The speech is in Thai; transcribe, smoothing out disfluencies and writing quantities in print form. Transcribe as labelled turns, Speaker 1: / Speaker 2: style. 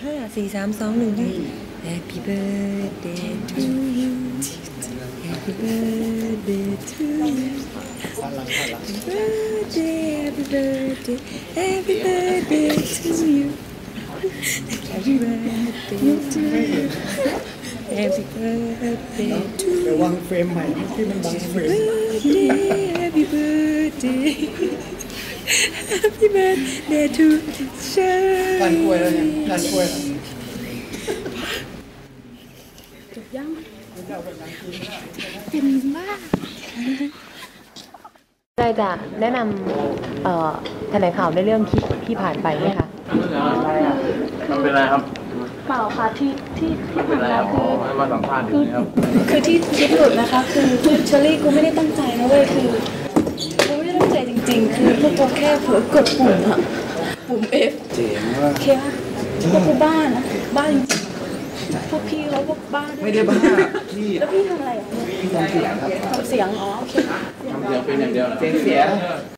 Speaker 1: 5 4 3 2 1 Happy birthday to you Happy birthday to you Happy birthday Happy birthday Happy birthday to you Happy birthday to you Happy birthday to you
Speaker 2: ระวังเฟรมใหม่ที่มันบังเฟรม
Speaker 1: Happy birthday Happy birthday to
Speaker 2: การกล้วยแล้วเนี่ยการกล้วย
Speaker 1: จบยังเป็นมากได้จะแนะนำแถลงข่าวในเรื่องคลิปที่ผ่านไปไหมคะ
Speaker 3: มันเป็นไรครับ
Speaker 4: เปล่าค่ะที่ผ่านมา
Speaker 3: คือมาสัมภาษณ์อยู่นี่ครับ
Speaker 4: คือที่คลิปหลุดนะคะคือเชอรี่กูไม่ได้ตั้งใจนะเว้ยคือกูไม่ได้ตั้งใจจริงๆคือพวกกูแค่เผลอกดปุ่มอะปุ่ม F
Speaker 2: เจ๋งว่ะ
Speaker 4: โอเคป่ะพวกกูบ้านะบ้าจริงๆพวกพี่เขาพวกบ้าด้วย
Speaker 2: ไม่ได้บ้าพี่
Speaker 4: แล้วพี่ทำอะไรอ่ะ
Speaker 2: พี่ทำเสียงครับ
Speaker 4: ทำเสียงอ๋อโอเค
Speaker 3: ทำเสียงเป็นอย่างเดียวเหรอ
Speaker 2: เสียงเสีย